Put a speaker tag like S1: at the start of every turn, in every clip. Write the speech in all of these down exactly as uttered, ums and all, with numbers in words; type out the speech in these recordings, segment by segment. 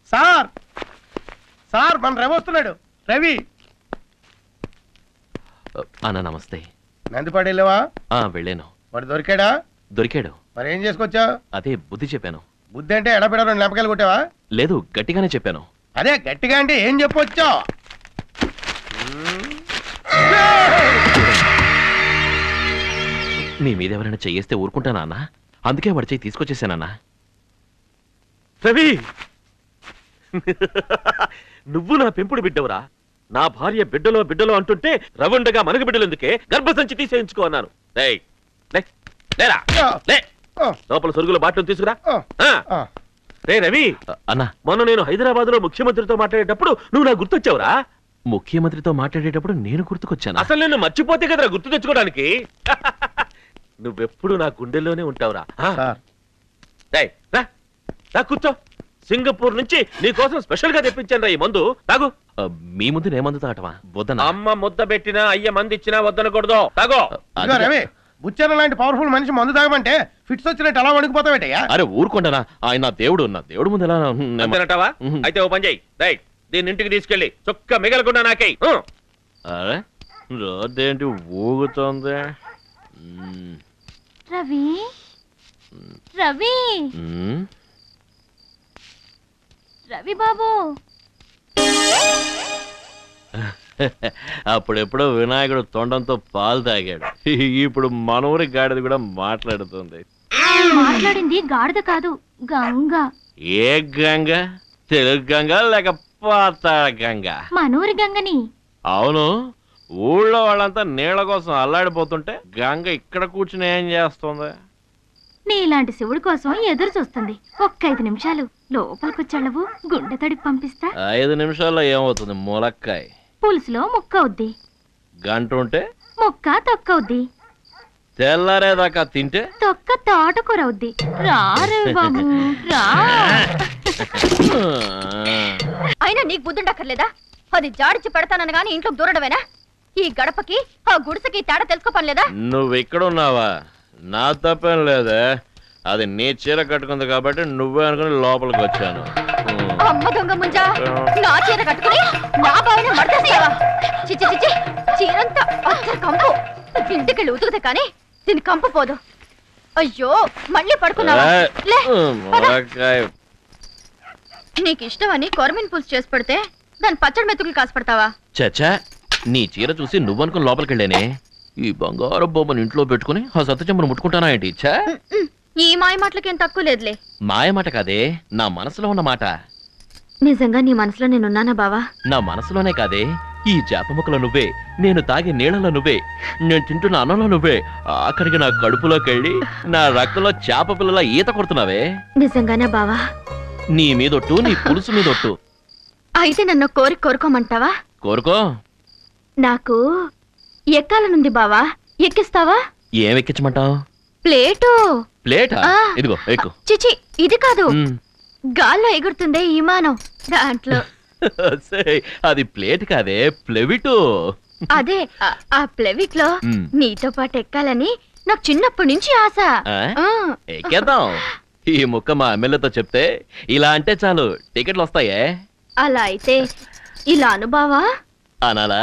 S1: Sir sir మన రవి వస్తున్నాడు. రవి
S2: అన్న నమస్తే.
S1: నందిపాడు వెళ్ళావా?
S2: వెళ్ళాను.
S1: వాడు దొరికాడా?
S2: దొరికాడు.
S1: మరి ఏం చేసుకొచ్చా?
S2: అదే బుద్ధి చెప్పాను.
S1: బుద్ధి అంటే ఎడబెడ రెండు లెంపకాయలు కొట్టావా?
S2: లేదు, గట్టిగానే చెప్పాను.
S1: అదే గట్టిగా అంటే ఏం చెప్పొచ్చా?
S2: మీ మీద ఎవరైనా చెయ్యేస్తే ఊరుకుంటానా అన్న? అందుకే వాడి చెయ్యి తీసుకొచ్చేసానన్నా.
S3: రవి, నువ్వు నా పెంపుడు బిడ్డవురా. నా భార్య బిడ్డలో బిడ్డలో అంటుంటే రవుండగా మనకు బిడ్డలు ఎందుకే గర్భసంచి తీసేయించుకో అన్నాను. లోపల సొరుగుల బాటలు తీసుకురా. రే రవి
S2: అన్న,
S3: మొన్న నేను హైదరాబాద్ లో ముఖ్యమంత్రితో మాట్లాడేటప్పుడు నువ్వు నా గుర్తొచ్చావురా.
S2: ముఖ్యమంత్రితో మాట్లాడేటప్పుడు నేను గుర్తుకొచ్చాను.
S3: అసలు నేను మర్చిపోతే కదరా గుర్తు తెచ్చుకోవడానికి. నువ్వెప్పుడు నా గుండెల్లోనే ఉంటావురా. రా కూర్చో. సింగపూర్ నుంచి నీ కోసం స్పెషల్ గా తెప్పించాను రా ఈ మందు. తాగు.
S2: మీ ముందు నే మందు తాగటమా? వద్దన.
S3: అమ్మ ముద్ద పెట్టినా అయ్య మంది ఇచ్చినా వద్దనకూడదు. తాగో.
S1: రవి, బుచ్చన్న లాంటి పవర్ఫుల్ మనిషి మందు తాగమంటే ఫిట్స్ వచ్చినట్టు ఎలా వణికిపోతావేటయ్యా?
S2: అరే ఊరుకుంటానా, ఆయన నా దేవుడు. నా దేవుడు ముందు ఎలా
S3: అంతేనటావా? అయితే ఓ పని చేయి. రైట్, దీన్ని ఇంటికి తీసుకెళ్ళి చొక్క మిగలకుండా నాకై.
S2: అరే రోడ్డేంటి ఊగుతోంది?
S4: రవి రవి రవి బాబు,
S2: అప్పుడెప్పుడో వినాయకుడు తొండంతో పాలు తాగాడు. ఇప్పుడు మనూరి గాడిద కూడా మాట్లాడుతుంది.
S4: మాట్లాడింది గాడిద కాదు, గంగ.
S2: ఏ గంగ? తెలుగు గంగ లేక పాతాళ గంగ?
S4: మనూరి గంగని.
S2: అవును, ఊళ్ళో వాళ్ళంతా నీళ్ల కోసం అల్లాడిపోతుంటే గంగ ఇక్కడ కూర్చుని ఏం చేస్తుంది?
S4: నీలాంటి శివుడి కోసం ఎదురు చూస్తుంది. ఒక్క ఐదు నిమిషాలు లోపలికొచ్చాళ్ళవు, గుండె తడిపి పంపిస్తా.
S2: ఐదు నిమిషాల్లో ఏమవుతుంది? ములక్కాయ
S4: పులుసులో ముక్క అవుద్ది.
S2: గంట ఉంటే
S4: ముక్క తొక్క అవుద్ది.
S2: తెల్లారేదాకా తింటే
S4: తొక్క తోటకూర అవుద్ది. రా రవి బాబు రా.
S5: అయినా నీకు బుద్ధుండక్కర్లేదా? అది జాడిచి పెడతానని గాని ఇంట్లో దూరడమేనా? ఈ గడపకి ఆ గుడిసెకి తేడా తెలుసుకోపనిలేదా?
S2: నువ్వు ఇక్కడ ఉన్నావా? నా తప్పేం లేదే. అది నీ చీర కట్టుకుంది కాబట్టి నువ్వే అనుకుని లోపలికి వచ్చాను.
S5: అమ్మ దొంగ ముంజా, నా చీర కట్టుకుని నా బావిని మడతేస్తావా? చిచ్చి చిచ్చి, చీరంతా అత్తర కంపు. ఇంటికెళ్ళి ఉతుకుతే కానీ దీని కంపు పోదు. అయ్యో, మళ్ళీ పడుకున్నావా? నీకు ఇష్టమని కొరమిన్ పులుసు చేసి పెడితే దాని పచ్చడి మెతుకులు కాసి పెడతావా?
S2: చచ్చా, నీ చీర చూసి నువ్వనుకుని లోపలికి వెళ్ళానే. ఈ బంగారు బొమ్మను ఇంట్లో పెట్టుకుని ఆ సత్తుచెంబను ముట్టుకుంటానా ఏంటి? ఇచ్చా,
S5: ఈ మాయ మాటలకేం తక్కువ లేదులే.
S2: మాయ మాట కాదే, నా మనసులో ఉన్న మాట.
S5: నిజంగా నీ మనసులో నేనున్నానా బావా?
S2: నా మనసులోనే కాదే, ఈ చేప ముక్కలో నువ్వే, నేను తాగే నీళ్ళలో నువ్వే, నేను తింటున్న అన్నంలో నువ్వే, ఆఖరికి నా కడుపులోకి వెళ్ళి నా రక్తంలో చేప పిల్లల ఈత కొడుతున్నావే.
S5: నిజంగానే బావా?
S2: నీ మీదొట్టు, నీ పులుసు మీదొట్టు.
S5: అయితే నన్ను కోరి కోరుకోమంటావా?
S2: కోరుకో.
S5: నాకు ఎక్కాలనుంది బావా, ఎక్కిస్తావా?
S2: ఏం ఎక్కించమంటావు?
S5: ప్లేటు.
S2: ప్లేటా? ఇదిగో ఎక్కు.
S5: చిచి, ఇది కాదు, గాల్లో ఎగురుతుందే విమానం, దాంట్లో.
S2: అది ప్లేట్ కాదే, ప్లెవిటు.
S5: అదే, ఆ ప్లెవిట్ లో నీతో పాటు ఎక్కాలని నాకు చిన్నప్పటి నుంచి ఆశ.
S2: ఎక్కేద్దాం. ఈ ముక్క మా ఎమ్మెల్యేతో చెప్తే ఇలా అంటే చాలు టికెట్లు వస్తాయే.
S5: అలా అయితే ఇలా అనుభవా
S2: అనాలా?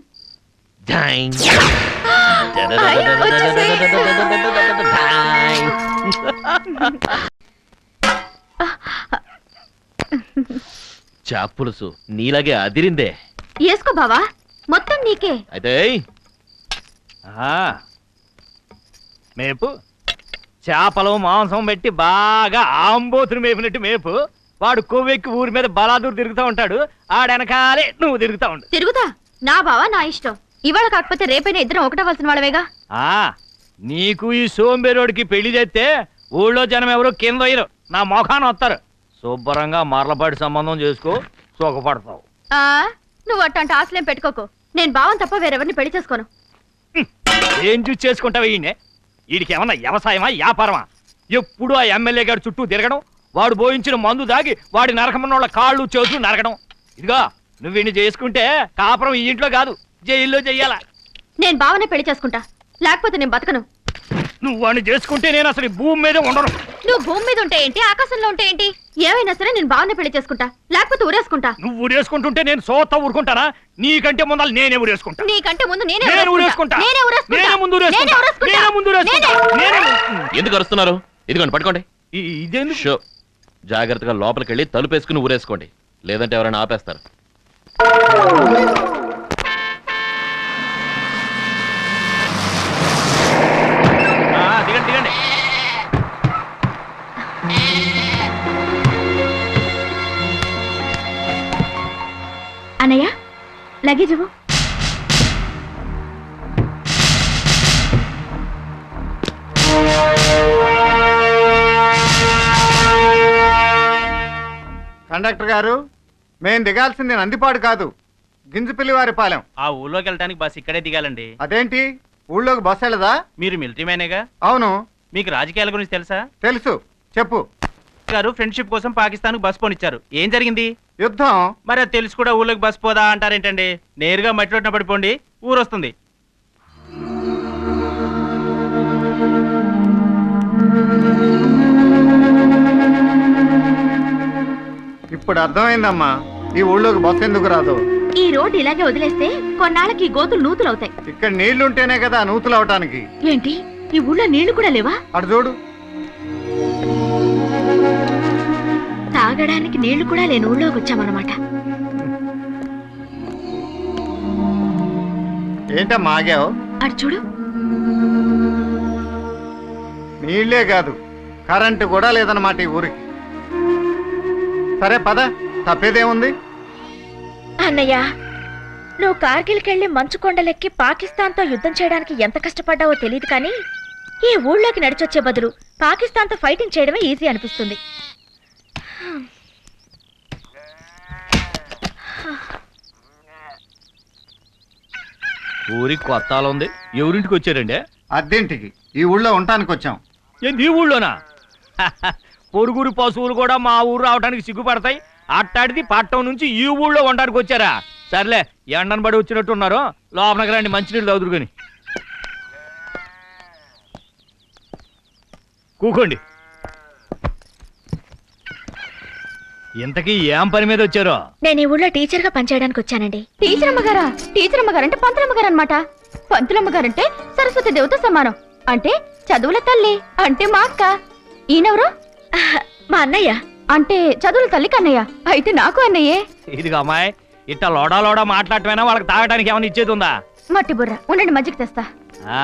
S2: చాపులుసు నీలాగే అదిరిందే.
S5: వేసుకో బావా, మొత్తం నీకే.
S2: అయితే
S6: మేపు చేపలు మాంసం పెట్టి బాగా ఆంబోతుని మేపినట్టు మేపు. వాడు కొవ్వెక్కి ఊరి మీద బలాదూరు తిరుగుతూ ఉంటాడు, ఆడెనకాలే నువ్వు తిరుగుతా ఉండు.
S5: తిరుగుతా? నా బావా నా ఇష్టం. ఇవాళ కాకపోతే రేపైనా ఇద్దరం ఒకటవలసిన వాళ్ళవేగా.
S6: ఆ నీకు ఈ సోంబేరోడికి పెళ్లి చేస్తే ఊళ్ళో జనం ఎవరు కింద అయ్యరు, నా మొఖాన వస్తారు. శుభ్రంగా మరలపాటి సంబంధం చేసుకో, సుఖపడతావు.
S5: ఆ నువ్వు అట్టంటే ఆశలేం పెట్టుకోకు. నేను బావని తప్ప వేరెవరిని పెళ్లి చేసుకోను.
S6: ఏం చూసి చేసుకుంటావు? ఈయనే వీడికి ఏమన్నా వ్యవసాయమా వ్యాపారమా? ఎప్పుడు ఆ ఎమ్మెల్యే గారి చుట్టూ తిరగడం, వాడు బోయించిన మందు దాగి వాడి నరకమన్నోళ్ళ కాళ్ళు చేతులు నరకడం. ఇదిగా నువ్వు వీడిని చేసుకుంటే కాపురం ఈ ఇంట్లో కాదు, జైల్లో చెయ్యాలా.
S5: నేను బావనే పెళ్లి చేసుకుంటా, లేకపోతే నేను బతకను.
S6: నువ్వు వాడిని చేసుకుంటే నేను అసలు ఈ భూమి మీద ఉండను.
S5: నువ్వు భూమి మీద ఉంటే ఏంటి, ఆకాశంలో ఉంటే ఏంటి, ఏమైనా సరే నేను బాగానే పెళ్లి చేసుకుంటా, లేకపోతే ఊరేసుకుంటా.
S6: నువ్వు ఊరేసుకుంటుంటే నేను సోత ఊరుకుంటానా? నీకంటే ముందు నేనే ఊరేసుకుంటా.
S5: నీకంటే ముందు నేనే
S6: నేను ఊరేసుకుంటా.
S5: నేనే ఊరేసుకుంటా.
S6: నేనే ముందు ఊరేసుకుంటా.
S5: నేనే ఊరేసుకుంటా.
S6: నేనే ముందు ఊరేసుకుంటా. నేనే
S2: ఎందుకు అరుస్తున్నారు? ఇదిగోండి పట్టుకోండి.
S6: ఈ- ఇదేందుకు?
S2: షో జాగ్రత్తగా లోపలికి వెళ్ళి తలుపేసుకుని ఊరేసుకోండి, లేదంటే ఎవరైనా ఆపేస్తారు.
S6: ఆ, దిగండి దిగండి.
S4: అన్నయ్య లగేజ్ ఇవ్వు.
S7: కండక్టర్ గారు, మేం దిగాల్సింది నందిపాడు కాదు, గింజపిల్లివారిపాలెం.
S8: ఆ ఊళ్ళోకి వెళ్ళడానికి బస్ ఇక్కడే దిగాలండి.
S7: అదేంటి, ఊళ్ళోకి బస్సు వెళ్ళదా?
S8: మీరు మిలిటరీ మ్యానేగా?
S7: అవును.
S8: మీకు రాజకీయాల గురించి తెలుసా?
S7: తెలుసు, చెప్పు.
S8: గారు ఫ్రెండ్షిప్ కోసం పాకిస్తాన్ బస్ పోనిచ్చారు. ఏం జరిగింది?
S7: యుద్ధం.
S8: మరి అది తెలుసు కూడా ఊళ్ళోకి బస్ పోదా అంటారేంటండి? నేరుగా మట్టిలోటిన పడిపోండి, ఊరు వస్తుంది.
S7: ఇప్పుడు అర్థమైందమ్మా ఈ ఊళ్ళోకి బస్సు ఎందుకు రాదు.
S4: ఈ రోడ్డు ఇలాగే వదిలేస్తే కొన్నాళ్ళకి ఈ గోతులు నూతులు అవుతాయి.
S7: ఇక్కడ నీళ్లుంటేనే కదా నూతులు అవటానికి.
S4: ఏంటి ఈ ఊళ్ళో నీళ్లు కూడా లేవా?
S7: అటు చూడు.
S4: తాగడానికి నీళ్లు కూడా లేని ఊళ్ళోకి వచ్చామన్నమాట.
S7: ఏంటమ్మా ఆగావు?
S4: అటు చూడు.
S7: నీళ్లే కాదు, కరెంటు కూడా లేదన్నమాట ఈ ఊరికి. సరే పద, తప్పేదేముంది.
S5: అన్నయ్య, నువ్వు కార్గిల్కెళ్ళి మంచు కొండలెక్కి పాకిస్తాన్తో యుద్ధం చేయడానికి ఎంత కష్టపడ్డావో తెలియదు, కానీ ఈ ఊళ్ళోకి నడిచొచ్చే బదులు పాకిస్తాన్తో ఫైటింగ్ చేయడమే ఈజీ అనిపిస్తుంది.
S6: ఊరికి కొత్త ఆల ఉంది. ఎవరింటికి వచ్చారండి?
S7: అద్దెంటికి. ఈ ఊళ్ళో ఉండటానికి వచ్చాం.
S6: ఏంది ఈ ఊళ్ళోనా? పొరుగురు పశువులు కూడా మా ఊరు రావడానికి సిగ్గుపడతాయి. అట్టాడిది పట్టణం నుంచి ఈ ఊళ్ళో ఉండడానికి వచ్చారా? సర్లే, ఎండను పడి వచ్చినట్టు ఉన్నారు. లోపలికి రండి, మంచినీళ్ళు తాగుదురు గాని. కూకోండి. ఇంతకీ ఏం పని మీద వచ్చారో?
S5: నేను ఈ ఊళ్ళో టీచర్ గా పనిచేయడానికి వచ్చానండి. టీచర్ అమ్మగారా? టీచర్ అమ్మగారంటే పంతులమ్మగారు అనమాట. పంతులమ్మగారంటే సరస్వతి దేవత సమానం. అంటే చదువుల తల్లి అంటే మా అక్క. ఈయనెవరు? మా అన్నయ్య. అంటే చదువుల తల్లి కన్నయ్య. అయితే నాకు అన్నయ్యే.
S6: ఇదిగా అమ్మాయి, ఇట్లా లోడా లోడా మాట్లాడటమైనా వాళ్ళకి తాగడానికి ఏమైనా ఇచ్చేది ఉందా?
S5: మట్టి బుర్ర ఉండండి, మజ్జిగ తెస్తా.
S6: ఆ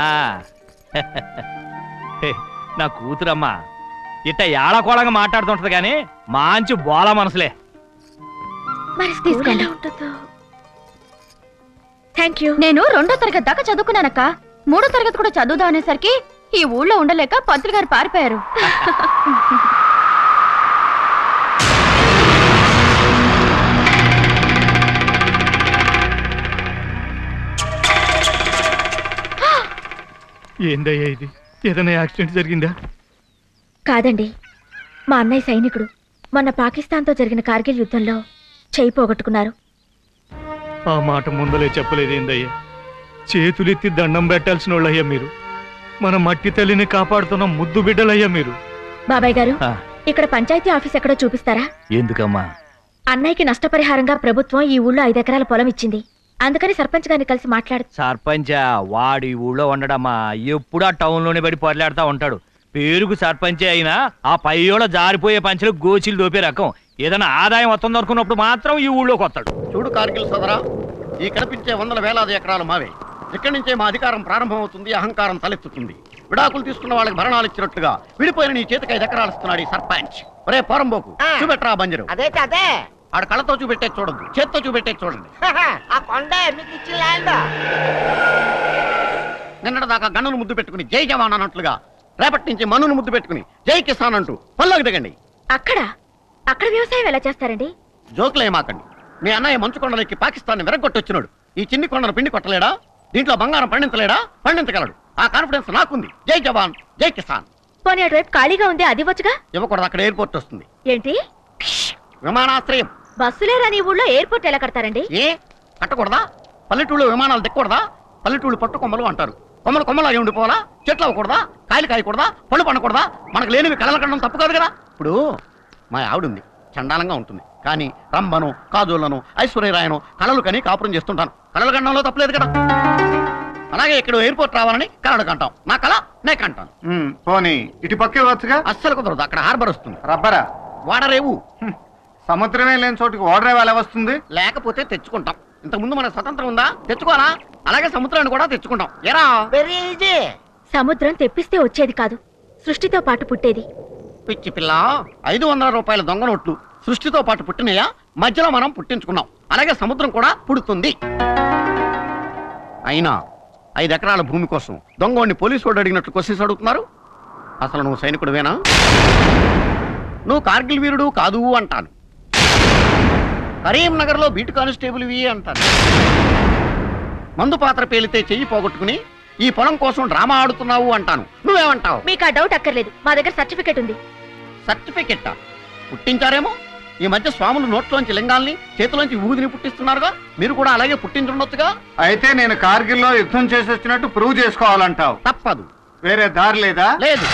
S6: నా కూతురమ్మా ఇట్ట ఏళకోళంగా మాట్లాడుతుంటది కానీ మంచి బోల మనసులే.
S5: మరి తీసుకోండి. Thank you. నేను రెండో తరగతి దాకా చదువుకున్నానక్క. మూడో తరగతి కూడా చదువుదా అనేసరికి ఈ ఊళ్ళో ఉండలేక పంతులు గారు పారిపోయారు.
S6: ఏందయ్యా ఇది? ఏదైనా యాక్సిడెంట్ జరిగిందా?
S5: కాదండి, మా అన్నయ్య సైనికుడు మొన్న పాకిస్తాన్తో జరిగిన కార్గిల్ యుద్ధంలో చేయి పోగొట్టుకున్నారు.
S6: ఆ మాట ముందలే చెప్పలేదు ఏందయ్యా? చేతులెత్తి దండం పెట్టాల్సిన వాళ్ళయ్యా మీరు. మన మట్టి తల్లిని కాపాడుతున్న ముద్దు బిడ్డలయ్యా మీరు.
S5: బాబాయ్ గారు,
S6: ఆ.
S5: ఇక్కడ పంచాయతీ ఆఫీస్ ఎక్కడో చూపిస్తారా?
S6: ఎందుకమ్మా?
S5: అన్నయ్యకి నష్టపరిహారంగా ప్రభుత్వం ఈ ఊళ్ళో ఐదు ఎకరాల పొలం ఇచ్చింది. అందుకని సర్పంచ్ గారిని కలిసి మాట్లాడు.
S6: సర్పంచా? వాడు ఈ ఊళ్ళో ఉండడమ్మా. ఎప్పుడు ఆ టౌన్ లోనే పడి పొరలాడుతూ ఉంటాడు. పేరుకు సర్పంచే అయినా ఆ పైయోళ్ళ జారిపోయే పంచలు గోచిలు దోపే రకం. ఏదైనా ఆదాయం వస్తుంది అనుకున్నప్పుడు మాత్రం ఈ ఊళ్ళోకి వస్తాడు.
S1: చూడు కార్గిల్ సోదరా, ఈ కనిపించే వందల వేలాది ఎకరాలు మావే. ఇక్కడి నుంచే మా అధికారం ప్రారంభమవుతుంది, అహంకారం తలెత్తుతుంది. విడాకులు తీసుకున్న వాళ్ళకి భరణాలు ఇచ్చినట్టుగా విడిపోయిన నీ చేతికి ఐదు ఎకరాలు ఇస్తున్నాడు ఈ సర్పంచ్. ఒరే పోరంబోకు, చూపెట్టరా బంజరు.
S9: అదే అదే
S1: ఆడ కళ్ళతో చూపెట్టే చూడద్దు, చేత్తో చూపెట్టే చూడండి.
S9: ఆ కొండ మీకు ఇచ్చిన ల్యాండ్.
S1: నిన్నటి దాకా గన్నును ముద్దు పెట్టుకుని జై జవాన్ అన్నట్లుగా రేపటి నుంచి మనును ముద్దు పెట్టుకుని జై కిసాన్ అంటూ పల్లోకి దిగండి.
S5: అక్కడ అక్కడ వ్యవసాయం ఎలా చేస్తారండి?
S1: జోకులు ఏమాకండి. మీ అన్నయ్య మంచు కొండలకి పాకిస్తాన్ విరగొట్టొచ్చినాడు. ఈ చిన్ని కొండను పిండి కొట్టలేడా? దీంట్లో బంగారం పండించలేడా? పండించగలడు. ఆ కాన్ఫిడెన్స్ నాకుంది. జై జవాన్ జై కిసాన్.
S5: పోనీ అటువైపు ఖాళీగా ఉంది, అది వచ్చుగా.
S1: ఇవ్వకూడదు, అక్కడ ఎయిర్పోర్ట్ వస్తుంది.
S5: ఏంటి?
S1: విమానాశ్రయం.
S5: బస్సులేరని ఊళ్ళో ఎయిర్పోర్ట్ ఎలా కడతారండి?
S1: ఏ కట్టకూడదా? పల్లెటూళ్ళు విమానాలు దిక్కకూడదా? పల్లెటూళ్ళు పట్టుకొమ్మలు అంటారు. కొమ్మలు కొమ్మలాగే ఉండిపోవాలా? చెట్లు అవ్వకూడదా? కాయలు కాయకూడదా? పళ్ళు పండకూడదా? మనకు లేనివి కళలు కనడం తప్పు కాదు కదా. ఇప్పుడు మా ఆవిడ ఉంది, చండాలంగా ఉంటుంది, కానీ రంభను కాజోళ్లను ఐశ్వర్యరాయను కళలు కని కాపురం చేస్తుంటాను. కళలు కనడంలో తప్పులేదు కదా. అలాగే ఇక్కడ ఎయిర్పోర్ట్ రావాలని కళలు కంటాం. నా కళ నే కంటాను.
S7: ఉమ్, పోనీ ఇటు పక్కే వచ్చుగా.
S1: అస్సలు కుదరదు, అక్కడ హార్బర్ వస్తుంది.
S7: రబ్బరా
S1: వాడరేవు.
S7: హ్మ్. సముద్రమే లేని చోటుకి ఓడరేవు ఎలా వస్తుంది?
S1: లేకపోతే తెచ్చుకుంటాం. ఇంతకుముందు మనకు స్వతంత్రం ఉందా? తెచ్చుకోవాలా? అలాగే సముద్రాన్ని కూడా తెచ్చుకుంటాం. ఎరా
S9: వెరీ ఈజీ.
S5: సముద్రం తెప్పిస్తే వచ్చేది కాదు, సృష్టితో పాటు పుట్టేది.
S1: పిచ్చి పిల్ల, ఐదు వందల రూపాయల దొంగ నోట్లు సృష్టితో పాటు పుట్టినయా? మధ్యలో మనం పుట్టించుకున్నాం. అలాగే సముద్రం కూడా పుడుతుంది. అయినా ఐదు ఎకరాల భూమి కోసం దొంగోడిని పోలీసు వాడు అడిగినట్లు క్వశ్చన్స్ అడుగుతున్నారు. అసలు నువ్వు సైనికుడివేనా? నువ్వు కార్గిల్ వీరుడు కాదు అంటాను. కరీంనగర్ లో బీట్ కానిస్టేబుల్ వి అంటాను. మందు పాత్ర పేలితే చెయ్యి పోగొట్టుకుని ఈ పొలం కోసం డ్రామా ఆడుతున్నావు అంటాను. నువ్వేమంటావు?
S5: మీకు ఆ డౌట్ అక్కర్లేదు, మా దగ్గర సర్టిఫికెట్ ఉంది.
S1: సర్టిఫికెట్టా? పుట్టించారేమో. ఈ మధ్య స్వాములు నోట్లోంచి లింగాల్ని చేతిలోంచి ఊదిని పుట్టిస్తున్నారుగా, మీరు కూడా అలాగే పుట్టించుండొచ్చుగా.
S7: అయితే నేను కార్గిల్లో యుద్ధం చేసి వచ్చినట్టు ప్రూవ్ చేసుకోవాలంటావు.
S1: తప్పదు.
S7: వేరే దారి లేదా?
S1: లేదు.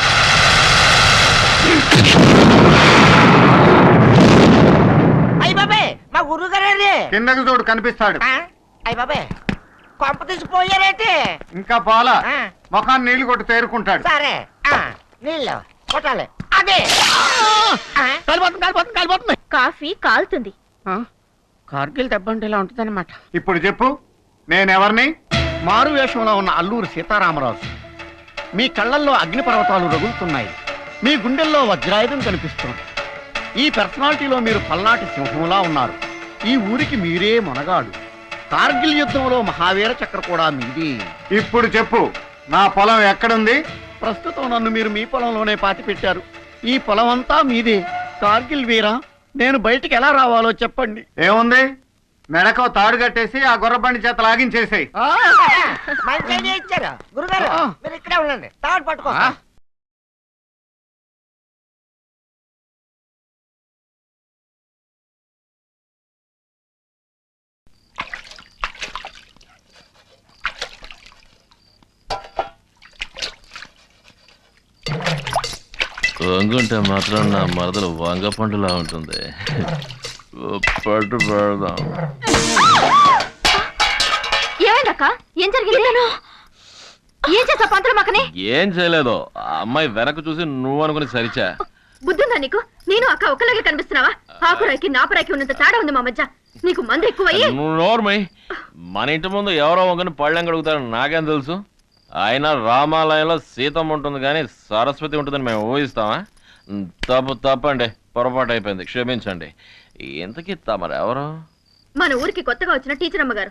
S9: అయ్య బాబే, మా గురువు గారే.
S7: కిందకి చూడు, కనిపిస్తాడు.
S9: అయ్య బాబే, కొంప తీసిపోయారేంటి?
S7: ఇంకా పోలా,
S9: ఆ.
S7: ముఖాన్ని నీళ్లు కొట్టి తేరుకుంటాడు.
S9: సరే, ఆ, నీళ్ళు కొట్టాలి. అదే ఆ,
S1: కాలిపోతుంది కాలిపోతుంది కాలిపోతుంది.
S5: కాఫీ కాలుతుంది.
S1: ఆ? కార్గిల్ దెబ్బంటే ఇలా ఉంటుందన్నమాట.
S7: ఇప్పుడు చెప్పు, నేనెవరిని?
S1: మారు వేషంలో ఉన్న అల్లూరు సీతారామరాజు. మీ కళ్ళల్లో అగ్నిపర్వతాలు రగులుతున్నాయి, మీ గుండెల్లో వజ్రాయుధం కనిపిస్తుంది. ఈ పర్సనాలిటీలో మీరు పల్నాటి సింహంలా ఉన్నారు. ఈ ఊరికి మీరే మొనగాడు. కార్గిల్ యుద్ధంలో మహావీర చక్ర కూడా మీది.
S7: ఇప్పుడు చెప్పు, నా పొలం ఎక్కడుంది?
S1: ప్రస్తుతం నన్ను మీరు మీ పొలంలోనే పాతి పెట్టారు. ఈ పొలం అంతా మీదే. కార్గిల్ వీరా, నేను బయటికి ఎలా రావాలో చెప్పండి.
S7: ఏముంది, మెడకో తాడు కట్టేసి ఆ గుర్రబండి చేత లాగించేసేయ్.
S1: ఆ!
S9: మంచి ఐడియా ఇచ్చారు గురుగారు.
S1: ఆ.
S9: మీరు ఇక్కడే ఉండండి, తాడు పట్టుకో.
S1: ఆ?
S2: వంగుంటే మాత్రం నా మరదలు వంగ పండులా ఉంటుంది. పట్టు పెడదాం.
S5: ఏమైందక్క? ఏం జరిగింది? ఏం చేసా పంతులు మక్కని?
S2: ఏం చేయలేదు, ఆ అమ్మాయి వెనక చూసి నువ్వు అనుకుని సరిచా.
S5: బుద్ధుందా నీకు? నేను అక్క ఒక్కలాగే కనిపిస్తున్నావా? ఆకురాయికి నాపరాయికి ఉన్నంత తేడా ఉంది మా మధ్య. నీకు మందు ఎక్కువయ్యి.
S2: నువ్వు నోర్మై. మన ఇంటి ముందు ఎవరో వంగని పళ్ళెం కడుగుతారు నాకేం తెలుసు? అయినా రామాలయంలో సీతమ్మ ఉంటుంది కానీ సరస్వతి ఉంటుందని మేము ఊహిస్తామా? తప్పు తప్పండి, పొరపాటు అయిపోయింది, క్షమించండి. ఇంతకీ తమరెవరు?
S5: మన ఊరికి కొత్తగా వచ్చిన టీచర్ అమ్మగారు.